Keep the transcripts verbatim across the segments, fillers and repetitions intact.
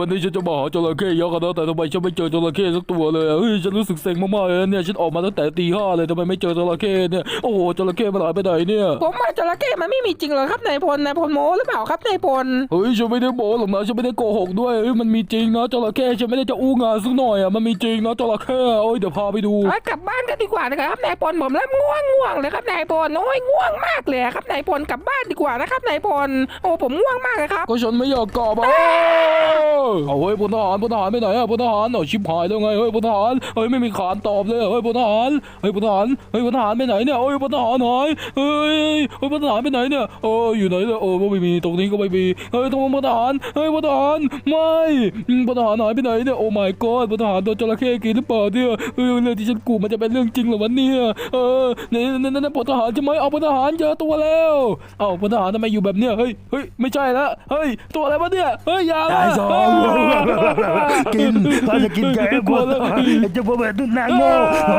วันนี้ฉันจะมาหาจระเข้ยักษ์นะแต่ทำไมฉันไม่เจอจระเข้สักตัวเลยเฮ้ยฉันรู้สึกเซ็งมากๆเลยเนี่ยฉันออกมาตั้งแต่ตีห้าเลยทำไมไม่เจอจระเข้เนี่ยโอ้โหจระเข้มันหายไปไหนเนี่ยผมว่าจระเข้มันไม่มีจริงหรอครับนายพลนายพลโม้หรือเปล่าครับนายพลเฮ้ยฉันไม่ได้โม้หรอกนะฉันไม่ได้โกหกด้วยเฮ้ยมันมีจริงนะจระเข้ฉันไม่ได้จะอู้งานสักหน่อยอ่ะมันมีจริงนะจระเข้โอ้ยเดี๋ยวพาไปดูกลับบ้านกันดีกว่านะครับนายพลผมเริ่มง่วงง่วงเลยครับนายพลโอ้ยง่วงมากเลยครับนายพลกลับบ้านดีกว่านะครับนายพลโอ้ผมง่วงมากเลยครับก็ฉันไม่อยากกลับอ่ะเอาเฮ้ยพลทหารพลทหารไปไหนอ่ะพลทหารเอาชิบหายแล้วไงเฮ้ยพลทหารเฮ้ยไม่มีขานตอบเลยเฮ้ยพลทหารเฮ้ยพลทหารเฮ้ยพลทหารไปไหนเนี่ยเฮ้ยพลทหารหายเฮ้ยเฮ้ยพลทหารไปไหนเนี่ยโอ้อยู่ไหนเนี่ยโอ้ไม่มีตรงนี้ก็ไม่มีเฮ้ยตรงพลทหารเฮ้ยพลทหารไม่พลทหารหายไปไหนเนี่ยโอ้ my god พลทหารโดนจระเข้กินหรือเปล่าเนี่ยเฮ้ยเรื่องที่ฉันกูมันจะเป็นเรื่องจริงเหรอวะเนี่ยเออเนี่ยนั่นนั่นพลทหารใช่ไหมเอาพลทหารเจอตัวแล้วเอาพลทหารทำไมอยู่แบบเนี้ยเฮ้ยเฮ้ยไม่ใช่ละเฮ้ยตัวอะไรวะเนี่ยเฮ้ยยาตายสองกินเขาจะกินแกงกูจะพอแบบตุ้นนางโง่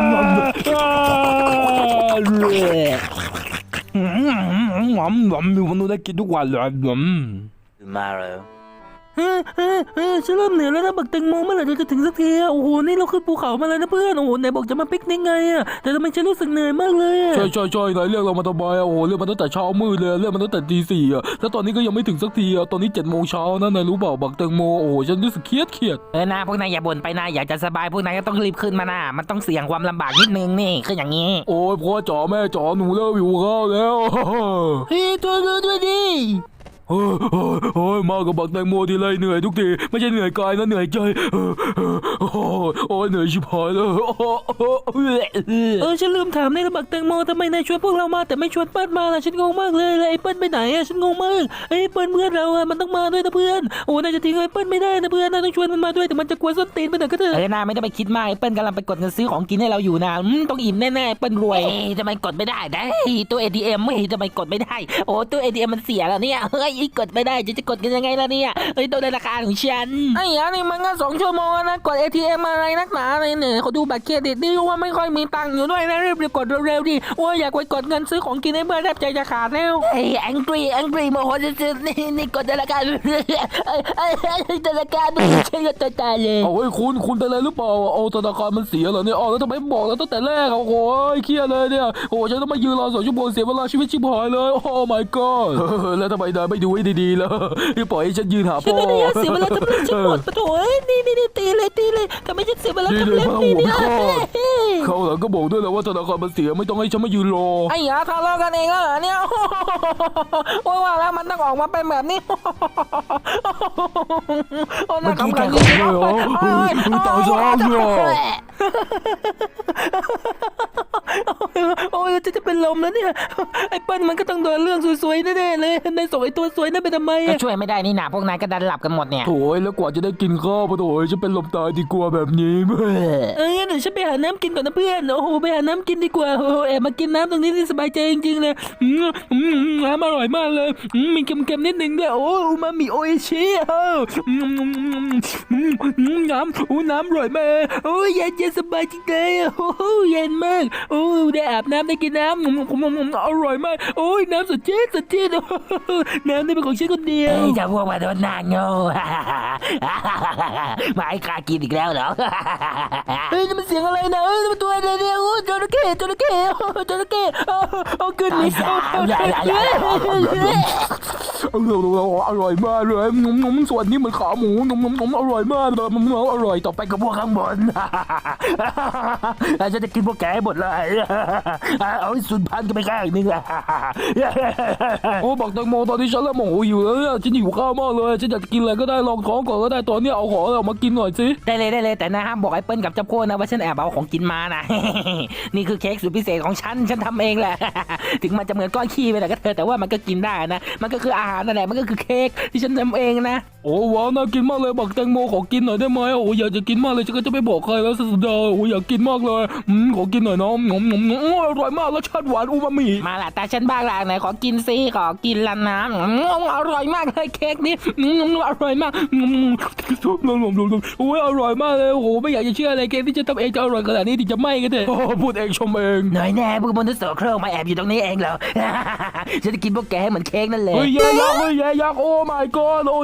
หอมหอมอยู่มันดูได้กินทุกวันเลยหอม tomorrow เฮ้ยเฮ้ยเฮ้ยฉันเริ่มเหนื่อยแล้วนะบักแตงโมเมื่อไหร่เราจะถึงสักทีโอ้โหนี่เราขึ้นภูเขามาแล้วนะเพื่อนโอ้โหไหนบอกจะมาปิกนิกไงอ่ะแต่ทำไมฉันรู้สึกเหนื่อยมากเลยใช่ใช่ใช่ไหนเรียกเรามาทำไมอ่ะโอ้โหเรียกมาตั้งแต่เช้ามืดเลยเรียกมาตั้งแต่ตีสี่อ่ะแล้วตอนนี้ก็ยังไม่ถึงสักทีอ่ะตอนนี้เจ็ดโมงเช้านะนายรู้เปล่าบักแตงโมโอ้โหฉันรู้สึกเครียดเครียดเออนะพวกนายอย่าบ่นไปนะอยากจะสบายพวกนายก็ต้องรีบขึ้นมานะมันต้องเสี่ยงความลำบากนิดนึงนี่คืออย่างนี้โอ้ยพ่อจ๋าแม่จ๋าหนูเริ่มหิวข้าวแล้วเฮ้ยตัวเรือด้วยดิเฮ้ยเฮ้ยเฮ้ยมากับบักแตงโมทีไรเหนื่อยทุกทีไม่ใช่เหนื่อยกายนะเหนื่อยใจเออโอ้โอ้เหนื่อยชิบหายเลยเออฉันลืมถามในบักแตงโมทำไมนายชวนพวกเรามาแต่ไม่ชวนเปิ้ลมาล่ะฉันงงมากเลยไอ้เปิ้ลไปไหนอะฉันงงมากไอ้เปิ้ลเพื่อนเราอะมันต้องมาด้วยนะเพื่อนโอ้นายจะทิ้งไอ้เปิ้ลไม่ได้นะเพื่อนนายต้องชวนมันมาด้วยแต่มันจะกลัวส้นตีนไปหน่อยก็เถอะเออนาไม่ต้องไปคิดมากไอ้เปิ้ลกำลังไปกดเงินซื้อของกินให้เราอยู่นะต้องอิ่มแน่ๆเปิ้ลรวยทำไมกดไม่ได้ได้ตู้ เอ ที เอ็ม ไม่ทำไมกดไม่ได้โอ้ตู้ เอ ที เอ็ม มันเสียแล้วเนี่ยเฮ้ยกดไม่ได้จะกดกันยังไงล่ะเนี่ยเฮ้ยตัวในราคาของฉันไอ้ยานี่มันก็สองชั่วโมงนะกด เอ ที เอ็ม อะไรนักหนาเลยเนี่ยเขาดูบัตรเครดิตนี่ว่าไม่ค่อยมีตังค์อยู่ด้วยนะรีบไปกดเร็วๆดิโอ้ยอยากไปกดเงินซื้อของกินให้เพื่อนแทบใจจะขาดแล้วไอ้แองกี้แองกี้โมโหสุดๆนี่นี่กดในราคาไอ้ไอ้ในราคาดูใช่ก็ตายตายเลยเอาเฮ้ยคุณคุณเป็นอะไรหรือเปล่าเอาธนาคารมันเสียเหรอเนี่ยอ๋อแล้วทำไมบอกแล้วตั้งแต่แรกโอ้โหเครียดเลยเนี่ยโอ้ฉันต้องมายืนรอสองชั่วโมงเสียเวลาชีวิตชิบหายเลยโอ้ my god แล้วทำไมนายไม่ดูให้ดีๆล่ะปล่อยให้ฉันยืนหาพ่อฉันไม่ได้เสียเวลาทำเรื่องฉันหมดปะโถนี่นี่นี่ตีเลยตีเลยทำไมฉันเสียเวลาทำเรื่องนี่เนี่ยเขาหลังก็บอกด้วยแล้วว่าธนาคารมันเสียไม่ต้องให้ฉันมายืนรอไอ้ยาทะเลาะกันเองเหรอเนี่ยโอ้ยว่าแล้วมันต้องออกมาเป็นแบบนี้โอ้ยน่าขำขันจริงๆเลยโอ้ยตายซะเลยโอ้ยจะจะเป็นลมแล้วเนี่ยไอ้เปิ้ลมันก็ต้องโดนเรื่องสวยๆแน่ๆเลยในส่งไอ้ตัวสวยนั่นไปทำไมก็ช่วยไม่ได้นี่นะพวกนายก็ดันหลับกันหมดเนี่ยโถ่แล้วกว่าจะได้กินข้าวปะโถ่ฉันเป็นลมตายดีกว่าแบบนี้เออเดี๋ยวฉันไปหาน้ำกินก่อนนะเพื่อนโอ้โหไปหาน้ำกินดีกว่าโอ้แอบมากินน้ำตรงนี้นี่สบายใจจริงๆเลยน้ำอร่อยมากเลยมีเค็มๆนิดนึงด้วยโอ้มามีโออิชิเออน้ำโอ้น้ำอร่อยมากโอ้เย็นเย็นสบายจริงเลยโอ้เย็นมากโอ้ได้อาบน้ำได้กินน้ำอร่อยมากโอ้ยน้ำสดชื่นสดชื่นน้ำนี่เป็นของฉันคนเดียวจะพวกมาโดนนางโง่มาให้ข้ากินอีกแล้วเหรอเฮ้ยนี่มันเสียงอะไรนะเฮ้ยมันตัวอะไรเนี่ยโอ้จระเข้จระเข้จระเข้เอาขึ้นนี่อร่อยมากเลยส่วนนี้มันขาหมูอร่อยมากเลยมันอร่อยต่อไปกับพวกข้างบนฉันจะกินพวกแกหมดเลยเอาให้สุนพันกันไปข้างนึงโอ้บักแตงโมตอนนี้ฉันเริ่มโมโหอยู่แล้วฉันหิวข้าวมากเลยฉันอยากกินอะไรก็ได้ลองท้องก่อนก็ได้ตอนนี้เอาของออกมากินหน่อยสิได้เลยได้เลยแต่นะห้ามบอกไอ้เปิ้ลกับเจ้าโค้นะว่าฉันแอบเอาของกินมานะนี่คือเค้กสุดพิเศษของฉันฉันทำเองแหละถึงมันจะเหมือนก้อนขี้ไปแต่ก็เธอแต่ว่ามันก็กินได้นะมันก็คืออาหารนั่นแหละมันก็คือเค้กที่ฉันทำเองนะโอ้ว้าวน่ากินมากเลยบักแตงโมขอกินหน่อยได้ไหมโอ้อยากจะกินมากเลยฉันก็จะไม่บอกใครแล้วสุดยอดโอ้อยากกินมากเลยอืมขอกินหน่อยน้องงมงมอร่อยมากรสชาติหวานอูมามิมาละแต่ฉันบ้างละไหนขอกินซิขอกินละน้ำอร่อยมากเลยเค้กนี้อร่อยมากโอ้ยอร่อยมากเลยโอ้โหไม่อยากจะเชื่อเลยเค้กที่จะทำเองจะอร่อยขนาดนี้ที่จะไม่กันเถอะพูดเองชมเองหน่อยแน่พวกมนุษย์โสโครกมาแอบอยู่ตรงนี้เองเหรอฉันจะกินพวกแกเหมือนเค้กนั่นเลยเฮ้ยยักษ์เฮ้ยยักษ์โอ้ my god โอ้ย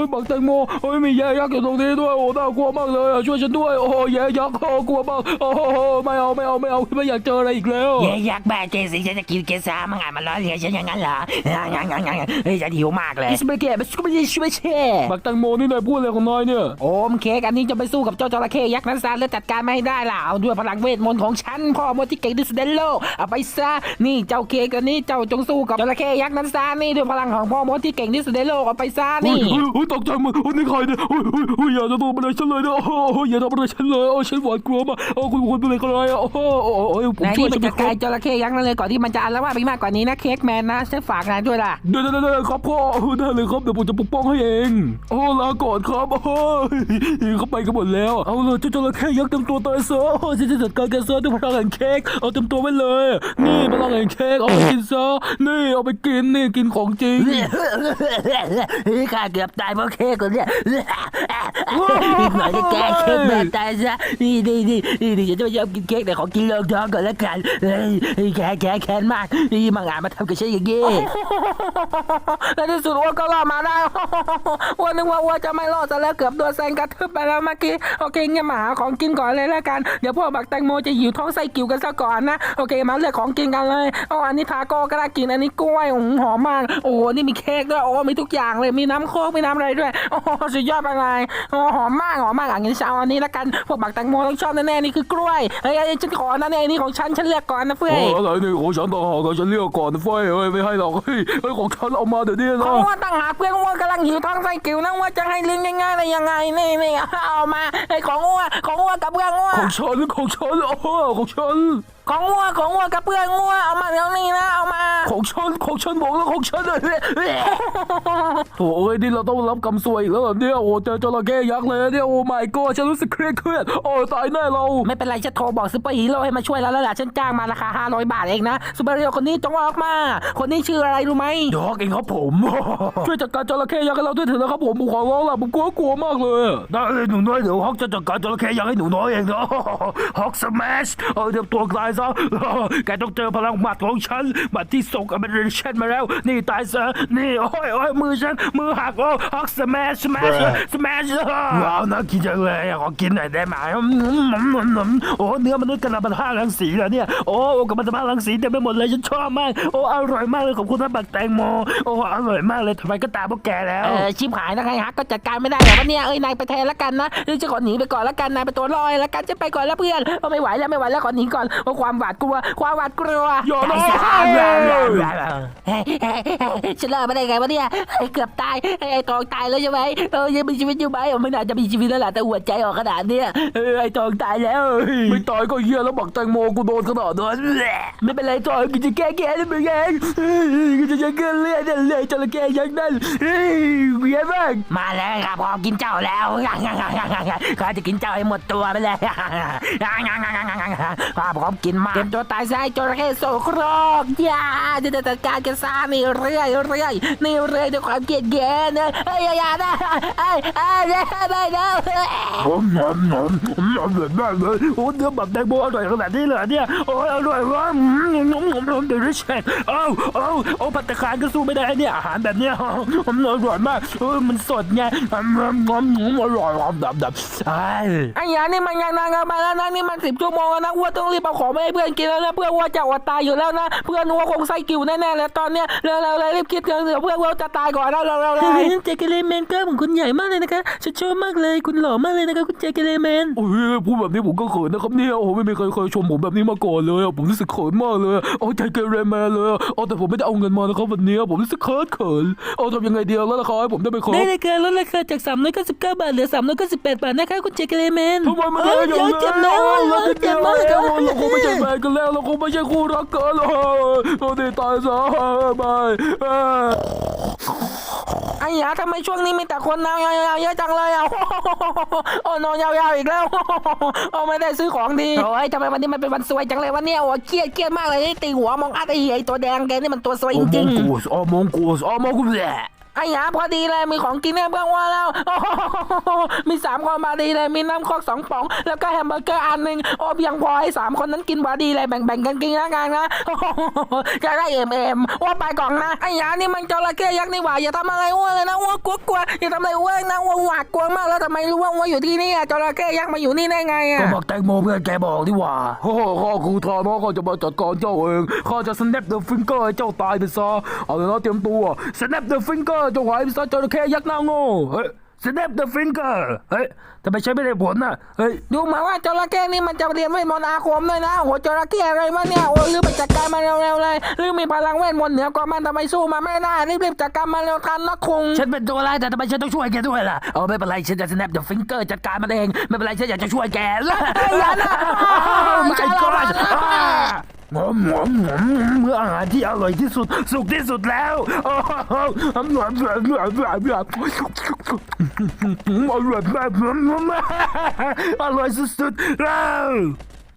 ยบักแตงโมเฮ้ยมีแย่ยักษ์อยู่ตรงนี้ด้วยโอ้น่ากลัวมากเลยช่วยฉันด้วยโอ้แย่ยักษ์โอ้กลัวมากโอ้ไม่เอาไม่เอาไม่เอาไม่อยากเจออะไรอีกแล้วเย้ยักษ์บ้าเจสิฉันจะกินเกสามังอ่ะมันล้อเลียนฉันอย่างนั้นเหรองั้นงั้นงั้นเฮ้ยฉันหิวมากเลยสเปเกตสเปเกตสเปเกตบักแตงโมนี่นายพูดอะไรของนายเนี่ยโอมเค้กอันนี้จะไปสู้กับเจ้าจระเข้ยักษ์นั้นซะแล้วจัดการไม่ได้ล่ะเอาด้วยพลังเวทมนต์ของฉันพ่อมดที่เก่งที่สุดในโลกเอาไปซะนี่เจ้าเค้กอันนี้เจ้าจงสู้กับจระเข้ยักษ์นั้นซะนี่ด้วยพลังของพ่อมดที่เก่งที่สุดในโลกเอาไปซะนี่โอ้ยตกใจมึงโอ้ยนี่ใครเนี่ยโอ้ยโอ้ยโอ้ยอย่าจะทำอะไรฉันเลยนะโอ้ยอย่าทำอะไรฉันเลยโอ้ยฉันหวาดกลัวมากโอ้คุณคุณเป็นอะไรกันเลยโอ้โหโอ้ยผมนายช่วยนี่ฉัมัน นไม่จะคกรลายบจระเข้ยักษ์นั่นเลยก่อนที่มันจะอาละวาดไปมากกว่านี้นะเค้กแมนนะฉันฝากนายด้วยล่ะเดี๋ยวเดี๋ยวเดี๋ยวครับพ่อได้เลยครับเดี๋ยวผมจะปกป้องให้เองโอ้ลาก่อนครับโอ้ยเขาไปกันหมดแล้วเอาเลยเจ้าจระเข้ยักษ์เต็มตัวตายซะโอ้ยฉันจะจัดการแกซะด้วยพลังแห่งเค้กเอาเต็มตัวไว้เลยนี่พลังแห่งเค้กเอาไปกินซะนี่เอาไปกินนี่กินของจริงข้าเกือบตายเพราะเค้กคนเนี้ยอีกหน่อยจะแก้เค้กแบบตายซะนี่นี่นี่นี่ฉันจะไม่ยอมกินเค้กแต่ขอกินเลิกท้องก่อนแล้วกันเฮ้ยแค้นแค้นแค้นมากนี่มังงะมาทำกับฉันอย่างนี้ในที่สุดอ้วนก็รอดมาได้อ้วนนึกว่าอ้วนจะไม่รอดซะแล้วเกือบโดนแซงกระทืบไปแล้วเมื่อกี้โอเคงั้นมาหาของกินก่อนเลยแล้วกันเดี๋ยวพวกบักแตงโมจะหิวท้องไส้กิ่วกันซะก่อนนะโอเคมาเลือกของกินกันเลยอ๋ออันนี้ทาโก้ก็น่ากินอันนี้กล้วยหอมมากโอ้นี่มีเค้กด้วยโอ้มีทุกอย่างเลยมีน้ำโค้กมีน้ำอะไรด้วยโอ้สุดยอดไปเลยโอ้หอมมากหอมมากอ่ะงั้นฉันเอาอันนี้ละกันพวกบักแตงโมต้องชอบแน่ๆนี่คือกล้วยเฮ้ยฉันขอนะเนี่ยอันนี้ของฉันฉันเลือกก่อนนะเฟ้ยอะไรนี่ของฉันต่างหากฉันเรียกก่อนนะเฟ้ยเฮ้ยไม่ให้หรอกเฮ้ยเฮ้ยของฉันเอามาเดี๋ยวนี้ขนะองว่าต่างหากเพื่อนว่ากำลังหิวท้องไส้กิ่วนะว่าจะให้ลิ้นง่ายๆได้ยังไงนี่นี่เอามาไอ้ของอ้วของอ้วกับเพื่อนอ้วของฉันของฉันโอ้ของฉันของอ้วของอ้วกับเพื่อนอ้วเอามาเดี๋ยวนี้นะเอามาของฉันของฉันบอกแล้วของฉันเลยโถ่เอ้ยนี่เราต้องรับกรรมซวยอีกแล้วเหรอเนี่ยโอ้เจอจระเข้ยักษ์เลยเนี่ยโอ้ my god ฉันรู้สึกเครียดเครียดโอ้ตายแน่เราไม่เป็นไรฉันโทรบอกซูเปอร์ฮีโร่ให้มาช่วยเราแล้วล่ะฉันจ้างมาราคาห้าร้อยบาทเองนะซูเปอร์ฮีโร่คนนี้จงออกมาคนนี้ชื่ออะไรรู้ไหมดอกเองครับผมช่วยจัดการจระเข้ยักษ์ให้เราด้วยเถอะนะครับผมผมขอร้องล่ะผมกลัวกลัวมากเลยได้เลยหนูน้อยเดี๋ยวฮอกจะจัดการจระเข้ยักษ์ให้หนูน้อยเองนะฮอกสแมชเออเดี๋ยวตัวตายซะแกต้องเจอพลังหมัดของฉันหมัดที่ส่งอเมริกันมาแล้วนี่ตายซะนี่โอ้ยโอ้ยมือฉันมือหักโอ้ฮอกสแมชสแมชสแมชว้าวน่ากินจังเลยขอกินหน่อยได้ไหมโอ้เนื้อมนุษย์กระมันห้ารังสีแล้วเนี่ยโอ้กระมันห้ารังสีเต็มไปหมดเลยฉันชอบมากโอ้อร่อยมากเลยขอบคุณนะบักแตงโมโอ้อร่อยมากเลยทำไมก็ตามพวกแกแล้วเออชิบหายนะใครฮักก็จัดการไม่ได้หรอกวะเนี่ยเอ้ยนายไปแทนแล้วกันนะเดี๋ยวจะขอหนีไปก่อนแล้วกันนายไปตัวลอยแล้วกันจะไปก่อนแล้วเพื่อนโอ้ไม่ไหวแล้วไม่ไหวแล้วขอหนีก่อนเพราะความหวาดกลัวความหวาดกลัวอย่านะเฮ้ยเฮ้ยเฮ้ยฉันรอดมาได้ไงวะเนี่ยเฮ้ยเกือบตายเฮ้ยไอ้ทองตายแล้วใช่ไหมเออยังมีชีวิตอยู่ไหมไม่น่าจะมีชีวิตแล้วล่ะแต่หัวใจออกขนาดเนี้ยเออไอ้ทองตายแล้วไม่ตายก็เหี้ยแล้วบักแตงโมกูโดนขนาดนั้นไม่เป็นไรทองกินจะแก้แก้แล้วมึงเองกินจะแก้เลือดเลยจระเข้ยักษ์นั่นเฮ้ยเวียนมากมาแล้วครับพอกินเจ้าแล้วข้าจะกินเจ้าให้หมดตัวไปเลยข้าพร้อมกินมากเต็มตัวตายซะจระเข้โสโครกอย่าจะจัดการกันซะนี่เรื่อยเรื่อยนี่เรื่อยด้วยความเกลียดแค้นนะเฮ้ยอย่านะเอ้ยเอ้ยไม่นะผมหอมหอมหอมเลยมากเลยโอ้เนื้อแบบแตงโมอร่อยขนาดนี้เลยเนี่ยโอ้อร่อยมากหอมหอมหอมเดลิเชสเอ้าเอ้าโอ้ผัดตะคารก็สู้ไม่ได้เนี่ยอาหารแบบเนี้ยหอมอร่อยมากเออมันสดไงหอมหอมหอมอร่อยหอมดับดับไอ้ไอ้ยานี่มันยังนานกันไปแล้วนะนี่มันสิบชั่วโมงแล้วนะอ้วนต้องรีบเอาของไปให้เพื่อนกินแล้วนะเพื่อนอ้วนจะอดตายอยู่แล้วนะเพื่อนอ้วนคงไส้กิ่วแน่ๆเลยตอนเนี้ยเร็วๆรีบคิดเถอะเพื่อนอ้วนจะตายก่อนแล้วเร็วๆเลยเจเกเลแมนก็ของคุณใหญ่มากเลยนะคะฉันชอบมากเลยคุณหล่อมากเลยนะคะคุณเจเกเลแมนโอ้ยพูดแบบนี้ผมก็เขินนะครับเนี่ยโอ้ไม่มีใครเคยชมผมแบบนี้มาก่อนเลยผมรู้สึกเขินมากเลยโอ้ใจเกเรแมนเลยโอ้แต่ผมไม่ได้เอาเงินมานะครับวันนี้ผมรู้สึกเขินเขินโอ้ทำยังไงเดียวแล้วล่ะครับให้ผมได้ไปขอได้เลยค่ะลดราคาจากสามร้อยเก้าสิบเก้าบาทเหลือสามร้อยเก้าสิบแปดบาทนะคะคุณเจเกเลแมนทำไมมันเอได้ออย่างเดี๋ยวเจ็บนะเราเจ็บมากเลยค่ะเราคงไม่ใช่แฟนกันแล้วเราคงไม่ใช่คู่รักกันแล้วเราได้ตายซะบายไอ้ยาทำไมช่วงนี้มีแต่คนนายาวๆเยอะจังเลยอ่ะโอ้นอนยาวๆอีกแล้วโอ้ไม่ได้ซื้อของดีโอ้ยทำไมวันนี้มันเป็นวันซวยจังเลยวะเนี่ยโอ้เครียดเครียดมากเลยตีหัวมองอัดไอ้ไอ้ตัวแดงแกนี่มันตัวซวยจริงกูสอ๋อมงกูสอ๋อมงกูแหละไอ้หยาพอดีเลยมีของกินให้เพื่อนว่าแล้วโอ้โหมีสามคนพอดีเลยมีน้ำโคกสองป๋องแล้วก็แฮมเบอร์เกอร์อันหนึ่งโอ้เพียงพอให้สามคนนั้นกินพอดีเลยแบ่งๆกันกินแล้วกันนะโอ้โหจะได้เอ็มเอ็มว่าไปก่อนนะไอ้หยานี่มันจระเข้ยักษ์นี่หว่าอย่าทำอะไรอ้วนเลยนะอ้วนกลัวกลัวอย่าทำอะไรอ้วนนะอ้วนหวาดกลัวมากแล้วทำไมรู้ว่าอ้วนอยู่ที่นี่อะจระเข้ยักษ์มาอยู่นี่ได้ไงอะก็บอกแตงโมเพื่อนแกบอกดีกว่าโอ้โหข้าครูทานอสข้าจะมาจัดการเจ้าเองข้าจะ snap the finger ให้เจ้าตายไปซะเอาเลยนะเตรียมตัว snap the finger เจ้าหายไปซะจระเข้ยักษ์หน้าโง่เฮ้ย snap the finger เฮ้ยทำไมใช้ไม่ได้ผลน่ะเฮ้ยดูเหมาว่าจระเข้นี่มันจะเรียนเวทมนต์อาคมด้วยนะโหจระเข้อะไรวะเนี่ยโอ้รีบไปจัดการมันเร็วๆเลยรีบมีพลังเวทมนต์เหนือกว่ามันทำไมสู้มันไม่ได้รีบๆจัดการมันเร็วทันนะคุงฉันเป็นตัวร้ายแต่ทำไมฉันต้องช่วยแกด้วยล่ะเออไม่เป็นไรฉันจะ snap the finger จัดการมันเองไม่เป็นไรฉันอยากจะช่วยแกแล้วอย่านะไม่ก็ได้หอมหอมหอมเมื่ออาหารที่อร่อยที่สุดสุกที่สุดแล้วโอ้โหอร่อยอร่อยอร่อยอร่อยอร่อยอร่อยมากอร่อยสุดๆแล้ว